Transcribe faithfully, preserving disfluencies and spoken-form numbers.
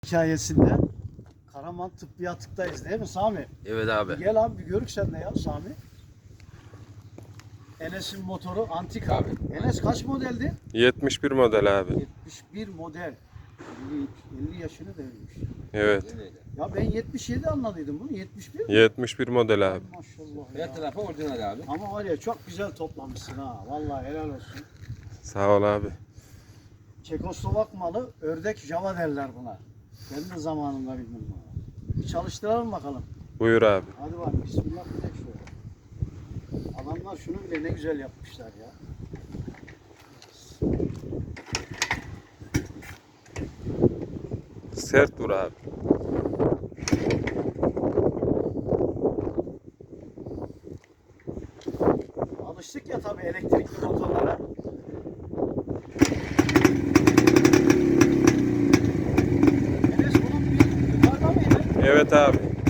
hikayesinde Karaman Tıbbi Atık'tayız değil mi Sami? Evet abi. Gel abi bir görük sen de ya Sami. Enes'in motoru antik abi. Enes kaç modeldi? yetmiş bir model abi. yetmiş bir model. elli, elli yaşını devirmiş. Evet. Ya ben yetmiş yedi anladıydım bunu. yetmiş bir mi? yetmiş bir model abi. Maşallah Her ya. tarafı orijinal abi. Ama var ya çok güzel toplamışsın ha. Vallahi helal olsun. Sağ ol abi. Çekoslovak malı ördek Java derler buna. Ben de zamanında bildim bunu. Bir çalıştıralım bakalım. Buyur abi. Hadi bak bismillah bir tek şöyle. Adamlar şunu bile ne güzel yapmışlar ya. Sert vur abi. Alıştık ya tabii elektrikli motorlara. Enes bunun bir yukarıda mıydı? Evet abi.